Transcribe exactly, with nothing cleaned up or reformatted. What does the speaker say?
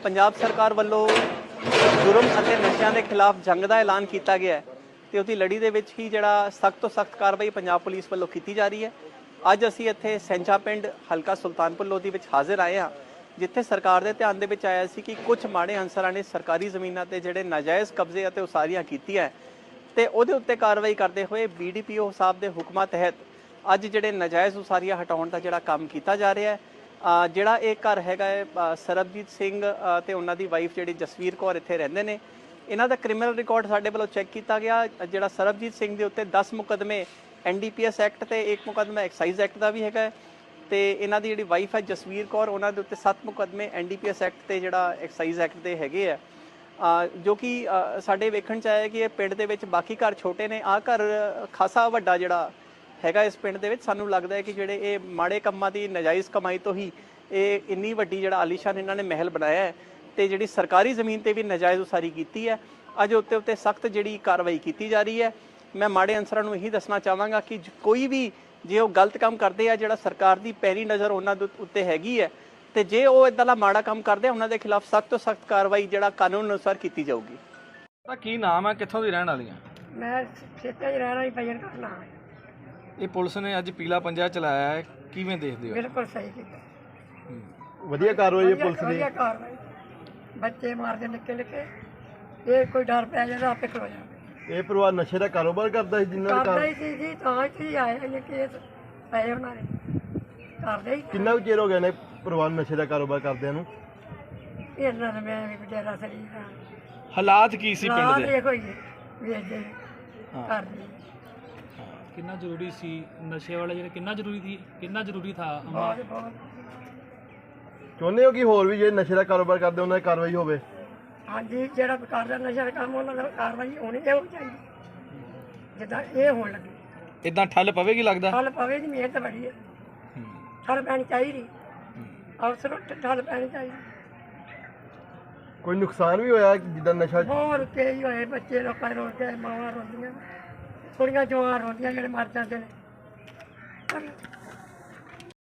पंजाब सरकार ਵੱਲੋਂ जुर्म ਅਤੇ ਨਸ਼ਿਆਂ ਦੇ ਖਿਲਾਫ ਜੰਗ ਦਾ ਐਲਾਨ ਕੀਤਾ ਗਿਆ ਹੈ ਤੇ ਉਹਦੀ ਲੜੀ ਦੇ ਵਿੱਚ ਹੀ ਜਿਹੜਾ ਸਖਤ ਤੋਂ ਸਖਤ ਕਾਰਵਾਈ ਪੰਜਾਬ ਪੁਲਿਸ ਵੱਲੋਂ ਕੀਤੀ ਜਾ ਰਹੀ ਹੈ। ਅੱਜ ਅਸੀਂ ਇੱਥੇ ਸੈਂਚਾ ਪਿੰਡ ਹਲਕਾ ਸੁਲਤਾਨਪੁਰ ਲੋਧੀ ਵਿੱਚ ਹਾਜ਼ਰ ਆਏ ਹਾਂ, ਜਿੱਥੇ ਸਰਕਾਰ ਦੇ ਧਿਆਨ ਦੇ ਵਿੱਚ ਆਇਆ ਸੀ ਕਿ ਕੁਝ ਮਾੜੇ ਅਨਸਰਾਂ ਨੇ ਸਰਕਾਰੀ ਜ਼ਮੀਨਾਂ ਤੇ ਜਿਹੜੇ ਨਾਜਾਇਜ਼ ਕਬਜ਼ੇ ਅਤੇ ਉਸਾਰੀਆਂ ਕੀਤੀਆਂ ਤੇ ਉਹਦੇ ਉੱਤੇ ਕਾਰਵਾਈ ਕਰਦੇ ਹੋਏ ਬੀਡੀਪੀਓ ਸਾਹਿਬ ਦੇ ਹੁਕਮਾਂ ਤਹਿਤ ਅੱਜ ਜਿਹੜੇ ਨਾਜਾਇਜ਼ ਉਸਾਰੀਆਂ ਹਟਾਉਣ ਦਾ ਜਿਹੜਾ ਕੰਮ ਕੀਤਾ ਜਾ ਰਿਹਾ ਹੈ। ਜਿਹੜਾ ਇਹ ਘਰ ਹੈਗਾ ਹੈ ਸਰਬਜੀਤ ਸਿੰਘ ਤੇ ਉਹਨਾਂ ਦੀ ਵਾਈਫ ਜਿਹੜੀ ਜਸਵੀਰ ਕੌਰ ਇੱਥੇ ਰਹਿੰਦੇ ਨੇ, ਇਹਨਾਂ ਦਾ ਕ੍ਰਿਮੀਨਲ ਰਿਕਾਰਡ ਸਾਡੇ ਵੱਲੋਂ ਚੈੱਕ ਕੀਤਾ ਗਿਆ। ਜਿਹੜਾ ਸਰਬਜੀਤ ਸਿੰਘ ਦੇ ਉੱਤੇ ਦਸ ਮੁਕੱਦਮੇ N D P S act ਤੇ ਇੱਕ ਮੁਕੱਦਮਾ ਐਕਸਾਈਜ਼ ਐਕਟ ਦਾ ਵੀ ਹੈਗਾ ਤੇ ਇਹਨਾਂ ਦੀ ਜਿਹੜੀ ਵਾਈਫ ਹੈ ਜਸਵੀਰ ਕੌਰ, ਉਹਨਾਂ ਦੇ ਉੱਤੇ ਸੱਤ ਮੁਕੱਦਮੇ N D P S act ਤੇ ਜਿਹੜਾ ਐਕਸਾਈਜ਼ ਐਕਟ ਦੇ ਹੈਗੇ ਆ, ਜੋ ਕਿ ਸਾਡੇ ਵੇਖਣ 'ਚ ਆਇਆ ਕਿ ਇਹ ਪਿੰਡ ਦੇ ਵਿੱਚ ਬਾਕੀ ਘਰ ਛੋਟੇ ਨੇ, ਆਹ ਘਰ ਖਾਸਾ ਵੱਡਾ ਜਿਹੜਾ ਹੈਗਾ ਇਸ ਪਿੰਡ ਦੇ ਵਿੱਚ। ਸਾਨੂੰ ਲੱਗਦਾ ਹੈ ਕਿ ਜਿਹੜੇ ਇਹ ਮਾੜੇ ਕੰਮਾਂ ਦੀ ਨਾਜਾਇਜ਼ ਕਮਾਈ ਤੋਂ ਹੀ ਇਹ ਇੰਨੀ ਵੱਡੀ ਜਿਹੜਾ ਆਲੀਸ਼ਾਨ ਇਹਨਾਂ ਨੇ ਮਹਿਲ ਬਣਾਇਆ ਹੈ ਤੇ ਜਿਹੜੀ ਸਰਕਾਰੀ ਜ਼ਮੀਨ ਤੇ ਵੀ ਨਾਜਾਇਜ਼ ਉਸਾਰੀ ਕੀਤੀ ਹੈ। ਅੱਜ ਉੱਤੇ ਉੱਤੇ ਸਖਤ ਜਿਹੜੀ ਕਾਰਵਾਈ ਕੀਤੀ ਜਾ ਰਹੀ ਹੈ। ਮੈਂ ਮਾੜੇ ਅਨਸਰਾਂ ਨੂੰ ਇਹੀ ਦੱਸਣਾ ਚਾਹਾਂਗਾ ਕਿ ਕੋਈ ਵੀ ਜੇ ਉਹ ਗਲਤ ਕੰਮ ਕਰਦੇ ਆ, ਜਿਹੜਾ ਸਰਕਾਰ ਦੀ ਪੈਰੀ ਨਜ਼ਰ ਉਹਨਾਂ ਦੇ ਉੱਤੇ ਹੈਗੀ ਹੈ ਤੇ ਜੇ ਉਹ ਇਦਾਂ ਦਾ ਮਾੜਾ ਕੰਮ ਕਰਦੇ ਆ, ਉਹਨਾਂ ਦੇ ਖਿਲਾਫ ਸਖਤ ਤੋਂ ਸਖਤ ਕਾਰਵਾਈ ਜਿਹੜਾ ਕਾਨੂੰਨ ਅਨੁਸਾਰ ਕੀਤੀ ਜਾਊਗੀ। ਤਾਂ ਕੀ ਨਾਮ ਹੈ, ਕਿੱਥੋਂ ਦੀ ਰਹਿਣ ਵਾਲੀਆਂ? ਮੈਂ ਖੇਤਾਂ 'ਚ ਰਹਿ ਰਹੀ ਭਜਨ ਕਰਨਾ। ਇਹ ਪੁਲਿਸ ਨੇ ਅੱਜ ਪੀਲਾ ਪੰਜਾ ਚਲਾਇਆ ਹੈ, ਕਿਵੇਂ ਦੇਖਦੇ ਹੋ? ਬਿਲਕੁਲ ਸਹੀ ਕੀਤਾ, ਵਧੀਆ ਕਾਰਵਾਈ ਹੈ ਪੁਲਿਸ ਦੀ। ਵਧੀਆ ਕਾਰਵਾਈ, ਬੱਚੇ ਮਾਰਦੇ ਨਿੱਕੇ ਨਿੱਕੇ, ਇਹ ਕੋਈ ਡਰ ਪੈ ਜਾਂਦਾ ਆਪੇ ਖਲੋ ਜਾਂਦਾ। ਇਹ ਪਰਿਵਾਰ ਨਸ਼ੇ ਦਾ ਕਾਰੋਬਾਰ ਕਰਦਾ ਸੀ ਜਿੰਨਾਂ ਦਾ ਕਰਦਾ ਹੀ ਸੀ ਜੀ, ਤਾਂ ਹੀ ਆਏ ਨੇ ਕੇਸ ਪਏ ਉਹਨਾਂ ਨੇ, ਕਰਦੇ ਹੀ। ਕਿੰਨਾ ਕੁ ਚਿਰ ਹੋ ਗਿਆ ਨੇ ਪਰਿਵਾਰ ਨਸ਼ੇ ਦਾ ਕਾਰੋਬਾਰ ਕਰਦਿਆਂ ਨੂੰ? ਇਹਨਾਂ ਨੇ ਮੈਂ ਵੀ ਬਟੇਰਾ ਸਰੀ ਦਾ ਹਾਲਾਤ ਕੀ ਸੀ ਪਿੰਡ ਦੇ? ਦੇਖੋ ਜੀ ਵੇਚਦੇ ਕਰਦੇ। ਕਿੰਨਾ ਜ਼ਰੂਰੀ ਸੀ ਨਸ਼ੇ ਵਾਲਾ ਜਿਹੜਾ, ਕਿੰਨਾ ਜ਼ਰੂਰੀ ਸੀ, ਕਿੰਨਾ ਜ਼ਰੂਰੀ ਥਾ? ਬਹੁਤ ਬਹੁਤ ਚਾਹੁੰਦੇ ਹੋ ਕਿ ਹੋਰ ਵੀ ਜਿਹੜੇ ਨਸ਼ੇ ਦਾ ਕਾਰੋਬਾਰ ਕਰਦੇ ਉਹਨਾਂ ਦੀ ਕਾਰਵਾਈ ਹੋਵੇ? ਹਾਂਜੀ, ਜਿਹੜਾ ਕਰਦਾ ਨਸ਼ਾ ਦਾ ਕੰਮ ਉਹਨਾਂ ਦਾ ਕਾਰਵਾਈ ਹੋਣੀ ਚਾਹੀਦੀ, ਜਿੱਦਾਂ ਇਹ ਹੋਣ ਲੱਗੀ। ਇਦਾਂ ਠੱਲ ਪਵੇਗੀ ਲੱਗਦਾ? ਠੱਲ ਪਵੇ ਜੀ, ਮਿਹਨਤ ਬੜੀ ਹੈ, ਠੱਲ ਪੈਣੀ ਚਾਹੀਦੀ, ਅਫਸਰ ਠੱਲ ਪੈਣੀ ਚਾਹੀਦੀ। ਕੋਈ ਨੁਕਸਾਨ ਵੀ ਹੋਇਆ ਜਿੱਦਾਂ ਨਸ਼ਾ? ਬਹੁਤ ਕਈ ਹੋਏ, ਬੱਚੇ ਲੋਕਾਂ ਰੋਲ ਕੇ, ਮਾਵਾਂ ਰੋਂਦੀਆਂ, ਕੁੜੀਆਂ ਜਵਾਨ ਰੋਂਦੀਆਂ ਜਿਹੜੇ ਮਰ ਜਾਂਦੇ ਨੇ।